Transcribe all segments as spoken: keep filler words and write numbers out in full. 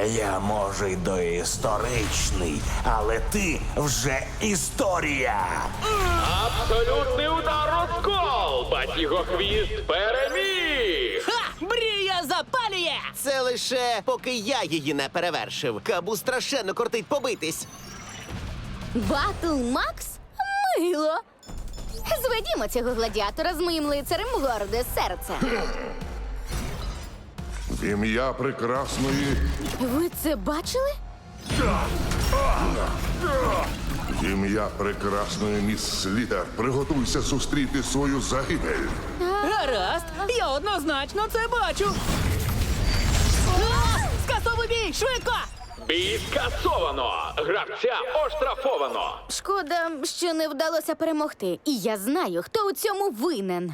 Я, може, й доісторичний, але ти вже історія. Абсолютний удар розкол! Батігохвіст переміг! Ха! Мрія запалює! Це лише поки я її не перевершив. Кабу страшенно кортить побитись. Батл Макс? Мило. Зведімо цього гладіатора з моїм лицарем в горде серце. В ім'я прекрасної, Ви це бачили? в ім'я прекрасної міс Слітер, приготуйся зустріти свою загибель. Гаразд, я однозначно це бачу. А! Скасовуй бій, швидко! Бій скасовано! Гравця оштрафовано! Шкода, що не вдалося перемогти. І я знаю, хто у цьому винен.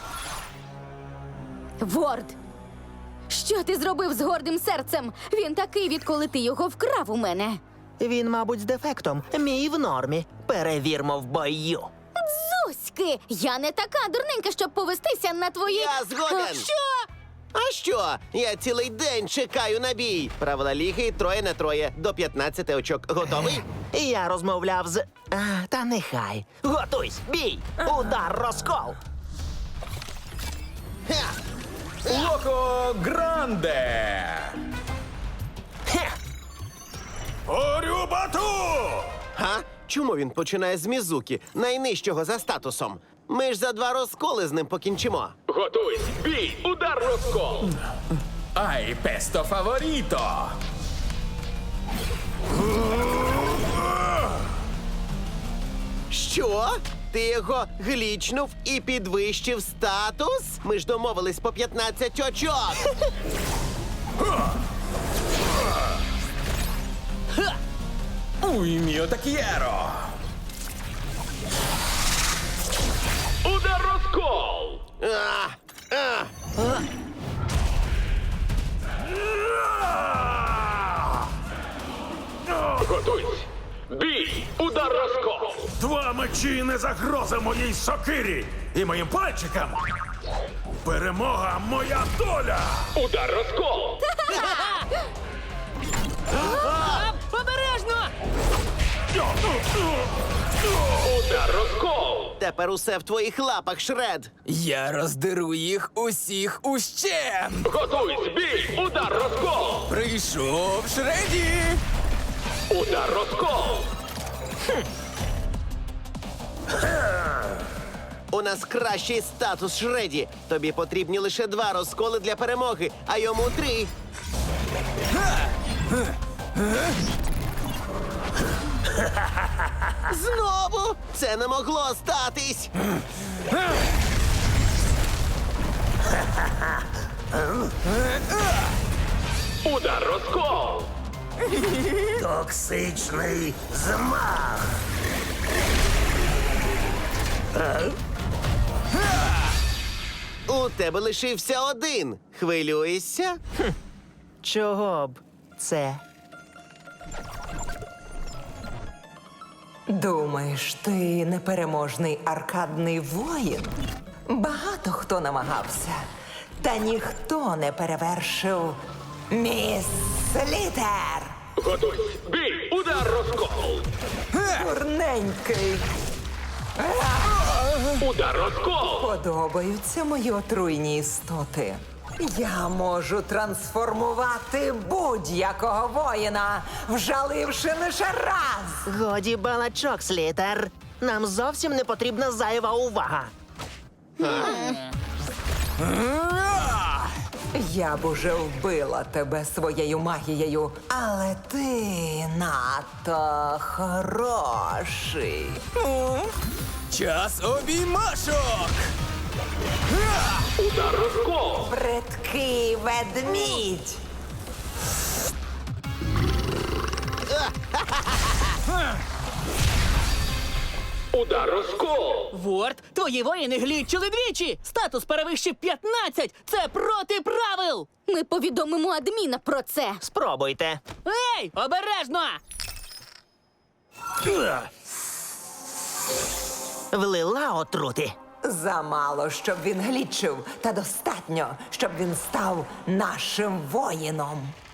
Ворд! Що ти зробив з гордим серцем? Він такий, відколи ти його вкрав у мене. Він, мабуть, з дефектом. Мій в нормі. Перевірмо в бою. Зуськи! Я не така дурненька, щоб повестися на твої... Я згоден. А, що? А що? Я цілий день чекаю на бій. Правила ліги троє на троє. До п'ятнадцяти очок. Готовий? Я розмовляв з. А, та нехай. Готуйсь, бій! Удар розкол! Ха! Локо Гранде! Хе! Орю бату! Га? Чому він починає з Мізуки, найнижчого за статусом? Ми ж за два розколи з ним покінчимо. Готуйсь! Бій! Удар розкол! Ай, песто фаворіто! Що? Ти його глічнув і підвищив статус? Ми ж домовились по п'ятнадцять очок. Уй, міо так'єро! Удар розкол! А, а. Готуйсь! Бій! Удар розкол! Два мечі не загроза моїй сокирі і моїм пальчикам. Перемога моя доля! Удар розкол! А, обережно! Удар розкол! Тепер усе в твоїх лапах, Шред. Я роздеру їх усіх ущент! Готуйсь! Бій! Удар розкол! Прийшов Шреді! Удар розкол! У нас кращий статус, Шреді. Тобі потрібні лише два розколи для перемоги, а йому три. Знову? Це не могло статись. Удар розкол! Токсичний змах! У тебе лишився один. Хвилюєшся? Чого б це? Думаєш, ти непереможний аркадний воїн? Багато хто намагався, та ніхто не перевершив міс Слітер. Готуйсь! Бій! Удар розкол! Дурненький. Удар розкол! Подобаються мої отруйні істоти. Я можу трансформувати будь-якого воїна, вжаливши лише раз. Годі балачок, Слітер. Нам зовсім не потрібна зайва увага. Я б уже вбила тебе своєю магією, але ти надто хороший. Час обіймашок! Удар розкол! Бридкий ведмідь. Удар розкол! Ворд, твої воїни глічили двічі! Статус перевищив п'ятнадцять! Це проти правил! Ми повідомимо адміна про це. Спробуйте. Ей, обережно! Влила отрути. Замало, щоб він глічив, та достатньо, щоб він став нашим воїном.